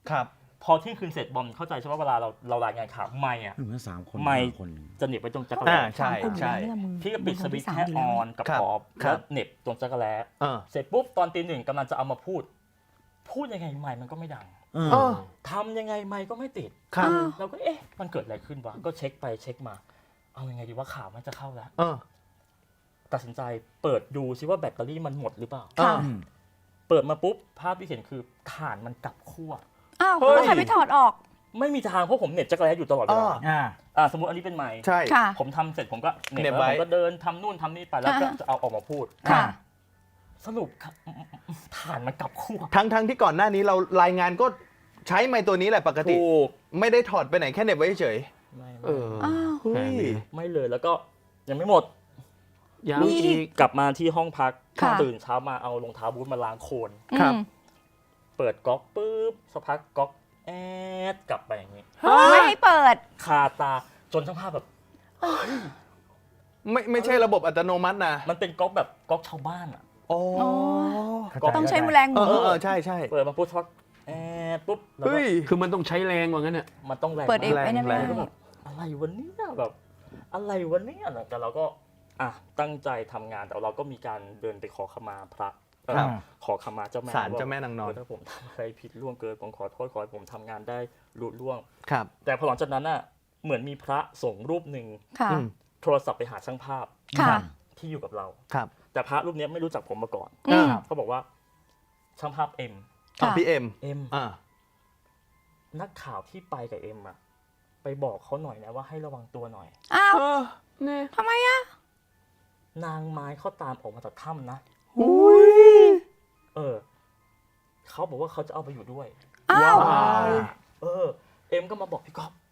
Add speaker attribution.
Speaker 1: ครับ
Speaker 2: พอเที่ยงคืนเสร็จบอมเข้าใจใช่ไหมเวลาเรารายงานข่าวไม่อะ
Speaker 3: เหมือน3 คน
Speaker 2: ไม่
Speaker 3: คน
Speaker 2: จะเหน็บไปตรงจักร
Speaker 1: อ่า
Speaker 2: แล้
Speaker 1: ใช่ใช่
Speaker 2: พี่ก็ปิดสวิตช์แค่ออนกับ
Speaker 1: ครับ
Speaker 2: ออฟ
Speaker 1: ครั
Speaker 2: แล้
Speaker 1: บ
Speaker 2: วเหน็บตรงจักรแล้ เสร็จปุ๊บตอนตี 1กำลังจะเอามาพูดยังไงไมค์มันก็ไม่ดังทำยังไงไมค์ก็ไม่ติด
Speaker 1: ครับ
Speaker 2: เราก็เอ๊ะมันเกิดอะไรขึ้นวะก็เช็คไปเช็คมาเอายังไงดีว่าข่าวมันจะเข้าแล้วตัดสินใจเปิดดูซิว่าแบตเตอรี่มันหมดหรือเปล่า
Speaker 1: ค่ะ
Speaker 2: เปิดมาปุ๊บภาพที่เห็นคือถ่านมันกลับขั้ว
Speaker 4: อ้าวแล้วใครไปถอดออก
Speaker 2: ไม่มีทางเพราะผมเหน็บจักรแล้อยู่ตลอดเวลา สมมติอันนี้เป็นไมค์
Speaker 1: ใช่
Speaker 4: ค่ะ
Speaker 2: ผมทำเสร็จผมก็เหน็บ
Speaker 1: เหน็บ
Speaker 2: แล้ว
Speaker 1: ไว้
Speaker 2: ผมก็เดินทำนู่นทำนี่ไปแล้วก็จะเอาออกมาพูด
Speaker 4: ค่ะ
Speaker 2: สรุปถ่านมันกลับขั้ว
Speaker 1: ทั้งที่ก่อนหน้านี้เรารายงานก็ใช้ไมค์ตัวนี้แหละปกติ
Speaker 2: ถูก
Speaker 1: ไม่ได้ถอดไปไหนแค่เหน็บไว้เฉย
Speaker 2: ไม่
Speaker 4: อ้าว
Speaker 1: เฮ้ย
Speaker 2: ไม่เลยแล้วก็ยังไม่หมด
Speaker 3: ยัง
Speaker 4: มี
Speaker 3: อีก
Speaker 2: กลับมาที่ห้องพัก
Speaker 4: ค่ะ
Speaker 2: ตื่นเช้ามาเอารองเท้าบูทมาล้างโคลน
Speaker 1: ครับ
Speaker 2: เปิดก๊อกปุ๊บสักพักก๊อกแอดกลับไปอย่างนี้
Speaker 4: ไม่ให้เปิด
Speaker 2: คาตาจนช่างภาพแบบ
Speaker 1: ไม่ใช่ระบบอัตโนมัตินะ
Speaker 2: มันเป็นก๊อกแบบก๊อกชาวบ้านอ่ะ
Speaker 1: โอ้
Speaker 4: อ๋อ
Speaker 2: ก๊อก
Speaker 4: ต้องใช้แรงมือ
Speaker 1: ใช่ใช่
Speaker 2: เปิดมาปุ๊บสักแอดปุ๊บแล้วก็
Speaker 1: เฮ้ย
Speaker 3: คือมันต้องใช้แรงกว่างั้นเนี่ย
Speaker 2: มันต้องแรง
Speaker 4: เปิดเอง
Speaker 2: มาก
Speaker 4: ไอ้นั่นไม่
Speaker 1: แรง
Speaker 4: ได้
Speaker 2: ก็แบบอะไรวันนี้แบบอะไรวันนี้แต่เราก็ตั้งใจทำงานแต่เราก็มีการเดินไปขอขมาพระ
Speaker 1: ครับ
Speaker 2: ขอขมาเจ้าแม่
Speaker 1: ศาลเจ้าแม่นางนอน
Speaker 2: ถ้าผมทำอะไรผิดล่วงเกินผมขอโทษขอให้ผมทำงานได้ลุล่วง
Speaker 1: ครับ
Speaker 2: แต่พอหลังจากนั้นน่ะเหมือนมีพระสงฆ์รูปหนึ่ง
Speaker 4: ค่ะ
Speaker 1: อืม
Speaker 2: โทรศัพท์ไปหาช่างภาพ
Speaker 4: ค่ะ
Speaker 2: ที่อยู่กับเรา
Speaker 1: ครับ
Speaker 2: แต่พระรูปนี้ไม่รู้จักผมมาก่อน
Speaker 4: อืม
Speaker 2: เขาบอกว่าช่างภาพเอ็ม
Speaker 4: ค่ะ
Speaker 1: พี่เอ็ม อ่า
Speaker 2: นักข่าวที่ไปกับเอ็มอะไปบอกเขาหน่อยนะว่าให้ระวังตัวหน่อย
Speaker 4: อ้าว
Speaker 3: เนี่ย
Speaker 4: ทำไมอะ
Speaker 2: นางไม้เขาตามออกมาจากถ้ำนะ
Speaker 1: อุ้ย
Speaker 2: เขาบอกว่าเขาจะเอาไปอยู่ด้วย
Speaker 4: อ้าว
Speaker 1: ว้าว
Speaker 2: เอ็มก็มาบอกพี่ก๊อฟ